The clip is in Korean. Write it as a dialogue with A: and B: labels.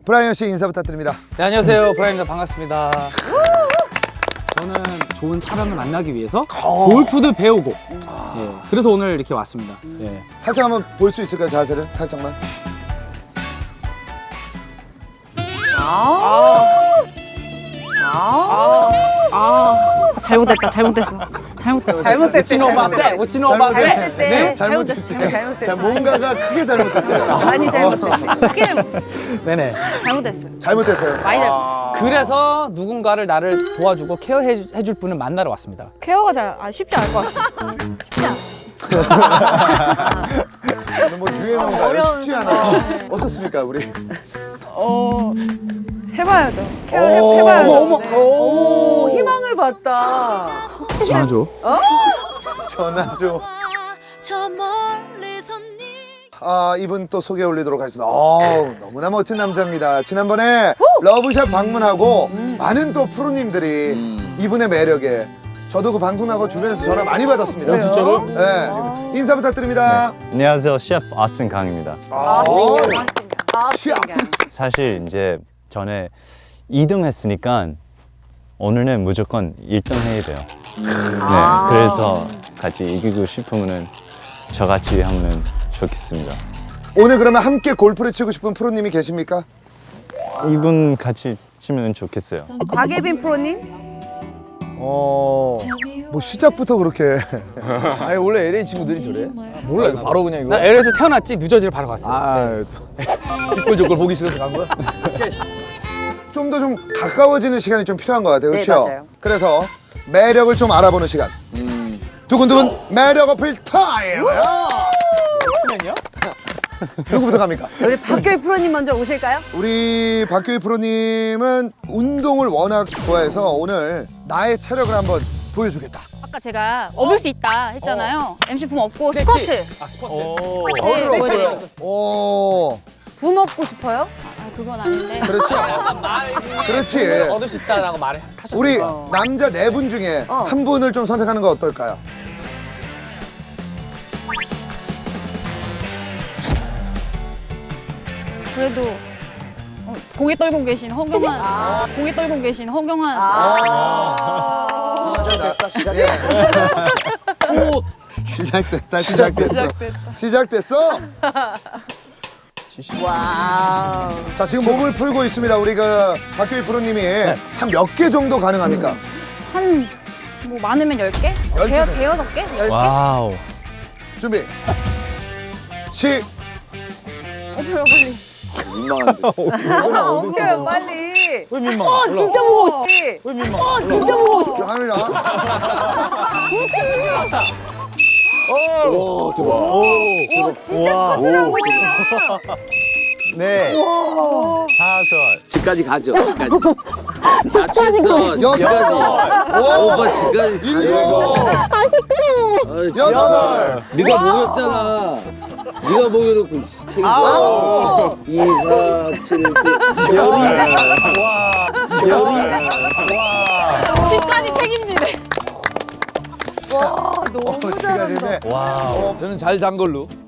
A: 브라이언 씨 인사 부탁드립니다.
B: 네, 안녕하세요. 브라이언입니다. 반갑습니다. 저는 좋은 사람을 만나기 위해서 골프도 배우고 예, 그래서 오늘 이렇게 왔습니다. 예.
A: 살짝 한번 볼 수 있을까요, 자세를? 살짝만.
C: 잘못됐다. 잘못됐어.
B: 오치노바떼. 오치노바떼.
A: 잘못됐지. 자, 뭔가가 크게 잘못됐대요.
D: 많이 잘못됐네.
B: 네네.
C: 잘못됐어요.
A: 잘못됐어요.
C: 많이 잘못.
B: 그래서 누군가를 나를 도와주고 케어해줄 분을 만나러 왔습니다.
C: 케어가 쉽지 않을 것 같아. 쉽지 않아.
A: 오늘 뭐 유행어인가요? 쉽지 않아요. 어떻습니까, 우리?
C: 해봐야죠.
A: 오,
C: 해봐야죠.
A: 어머,
C: 네.
D: 오, 희망을 봤다.
B: 전화줘.
A: 전화 좀.
E: 저 멀리서 네
A: 아, 이분 또 소개 올리도록 하겠습니다. 너무나 멋진 남자입니다. 지난번에 러브샷 방문하고 많은 또 프로님들이 이분의 매력에 저도 그 방송 나가고 주변에서 전화 많이 받았습니다.
B: 진짜로?
A: 네. 인사 부탁드립니다.
F: 안녕하세요, 셰프 오스틴 강입니다.
A: 취업.
F: 사실 이제 전에 2등 했으니까 오늘은 무조건 1등 해야 돼요. 네, 그래서 같이 이기고 싶으면은 저같이 하면 좋겠습니다.
A: 오늘 그러면 함께 골프를 치고 싶은 프로님이 계십니까?
F: 이분 같이 치면 좋겠어요.
D: 박예빈 프로님?
A: 뭐 시작부터 그렇게.
G: 아니 원래 LA 친구들이 저래? 몰라 이거 바로 그냥 이거.
B: 나 LA에서 태어났지 뉴저지를 바로 갔어.
G: 아, 뒷골저골 보기 싫어서 간 거야?
A: 좀 더 좀 가까워지는 시간이 좀 필요한 것 같아요.
D: 네,
A: 그렇죠?
D: 맞아요.
A: 그래서 매력을 좀 알아보는 시간. 두근두근 매력 어필 타임.
B: X면요?
A: 누구부터 갑니까?
D: 우리 박교희 프로님 먼저 오실까요?
A: 우리 박교희 프로님은 운동을 워낙 좋아해서 오늘 나의 체력을 한번 보여주겠다.
C: 아까 제가 업을 수 있다 했잖아요. MC 품 업고
B: 스트레치.
C: 스쿼트.
B: 아, 스쿼트.
A: 어디로
C: 네,
A: 오세요?
C: 네.
A: 오,
D: 부 먹고 싶어요?
C: 아, 그건 아닌데.
A: 그렇지. 그렇지.
B: 얻을 수 있다라고 말을 하셨어요.
A: 우리 남자 네 분 중에 한 분을 좀 선택하는 거 어떨까요?
C: 그래도 공에 떨고 계신 허경환. 공에 떨고 계신 허경환.
A: 시작됐다. 시작됐어.
D: 와우.
A: 자, 지금 몸을 풀고 있습니다. 우리 그 박교희 프로님이 한 몇 개 정도 가능합니까?
C: 한 뭐 많으면 10개?
A: 10개.
C: 대여섯 개? 10개?
F: 와우.
A: 준비. 시.
C: 빨리.
D: 옮겨요 빨리.
B: 왜 민망해?
C: 진짜 보고 싶어.
B: 왜 민망해?
C: 진짜 보고 싶어.
A: 합니다.
F: 오, 대박.
D: 오, 진짜 스쿼트를 하고 있잖아.
F: 네. 다섯.
H: 집까지 가죠. 집까지. 자취했어.
A: 여섯.
H: 오빠 집까지
A: 일곱. 여덟.
H: 네가 먹였잖아. 네가 먹여놓고 책임져.
A: 아홉.
H: 2, 4, 7, 8.
C: 집까지 책임지네.
D: 와, 너무 잘한다.
A: 시간이네.
F: 와우.
G: 저는 잘 잔 걸로.